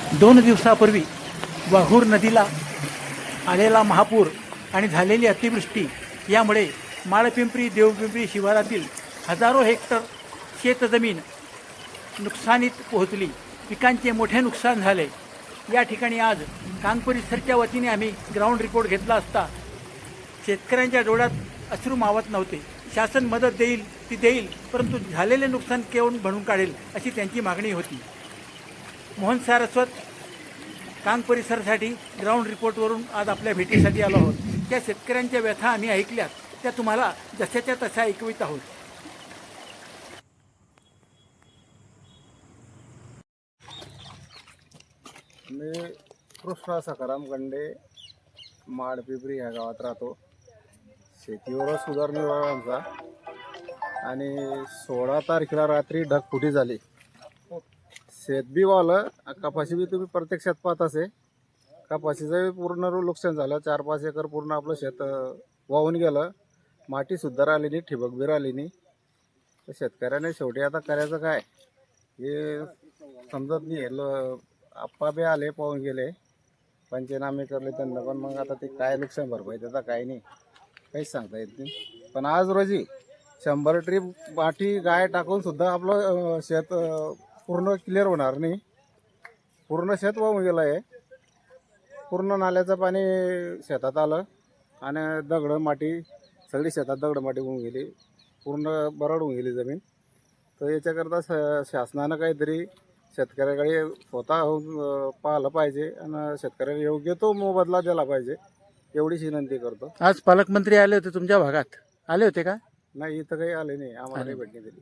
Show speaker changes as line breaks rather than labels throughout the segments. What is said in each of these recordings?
2 दिवसापूर्वी वाघूर नदीला आलेला महापूर आणि झालेली अतिवृष्टी यामुळे माळपिंपरी देवपिंपरी शिवारातील हजारो हेक्टर शेतजमीन नुकसानीत पोहोचली. पिकांचे मोठे नुकसान झाले. या ठिकाणी आज कांग परिसरच्या वतीने आम्ही ग्राउंड रिपोर्ट घेतला असता शेतकऱ्यांच्या डोळ्यात अश्रू मावत नव्हते. शासन मदत देईल ती देईल, परंतु झालेले नुकसान केवळ भरून काढेल अशी त्यांची मागणी होती. मोहन सारस्वत, कांग परिसरासाठी ग्राउंड रिपोर्टवरून आज आपल्या भेटीसाठी आलो आहोत. त्या शेतकऱ्यांच्या व्यथा आम्ही ऐकल्यात, त्या तुम्हाला जशाच्या तशा ऐकवित आहोत.
मी कृष्णा सखाराम गंडे माडपिंपरी ह्या गावात राहतो. शेतीवरच उदरनिर्वाह आमचा. आणि 16 तारखेला रात्री ढगफुटी झाली. शेत बी वालं, कपाशी बी तुम्ही प्रत्यक्षात पाहत असे. कपाशीचं पूर्ण नुकसान झालं. 4-5 एकर पूर्ण आपलं शेत वाहून गेलं. मातीसुद्धा राहिली नाही, ठिबक बी राहिली नाही. तर शेतकऱ्याने शेवटी आता करायचं काय हे समजत नाही. आप्पा बी आले, पाहून गेले, पंचनामे करले त्यांना, पण मग आता ते काय नुकसान भरपाई त्याचा काय नाही, काहीच सांगता येत नाही. पण आज रोजी 100 ट्रीप माठी गाय टाकून सुद्धा आपलं शेत पूर्ण क्लिअर होणार नाही. पूर्ण शेत वाहून गेलं आहे. पूर्ण नाल्याचं पाणी शेतात आलं आणि दगडं माती सगळी शेतात दगडं माती होऊन गेली. पूर्ण बरड होऊन गेली जमीन. तर याच्याकरता शासनानं काहीतरी शेतकऱ्याकडे स्वतः पाहिलं पाहिजे आणि शेतकऱ्याला योग्य तो मोबदला दिला पाहिजे, एवढीच विनंती करतो.
आज पालकमंत्री आले होते तुमच्या भागात, आले होते का?
नाही, इथं काही आले नाही, आम्हाला काही भेटणी दिली.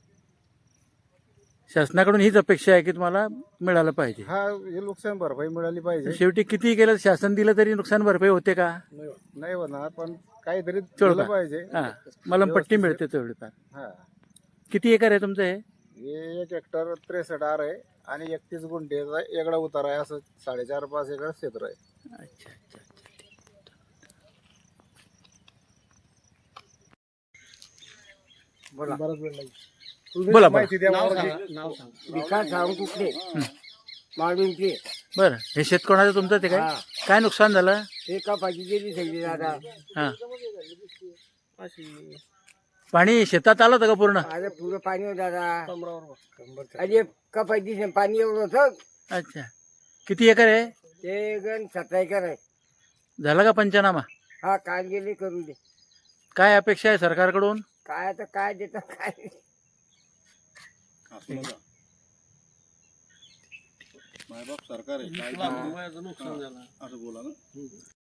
शासनाकडून हीच अपेक्षा आहे की तुम्हाला मिळालं पाहिजे.
हा, हे नुकसान भरपाई मिळाली पाहिजे.
शेवटी किती केलं शासन दिलं तरी नुकसान भरपाई होते का?
नाही होणार, पण काहीतरी
तेवढं
दिलं पाहिजे.
हां, मलमपट्टी मिळते तेवढीफार.
हा,
किती एकर आहे तुमचं हे?
हे 1 हेक्टर 63 आर आहे आणि 31 गुंठेचा वेगळा उतार आहे. असं 4.5-5 एकर क्षेत्र आहे.
अच्छा अच्छा.
बरंच वेळ लागेल.
बोला,
माहिती द्या मला.
विकास सावंत कुठले माळविंचे.
बरं, हे शेत कोणाचं तुमचं ते काय?
हा.
काय नुकसान झालं?
एका पाठी गेली सगळी दादा.
हां, पाणी शेतात आलं होतं का पूर्ण?
अरे पुरं पाणी होतं दादा. अरे कपाशी पाणी एवढं होतं.
अच्छा, किती एकर आहे?
ते गण 17 एकर आहे.
झाला का पंचनामा?
हा, काल गेले करू दे.
काय अपेक्षा आहे सरकारकडून?
काय आता काय देतात काय.
मायबाप सरकार आहे, काय नुकसान झालं असं बोला ना.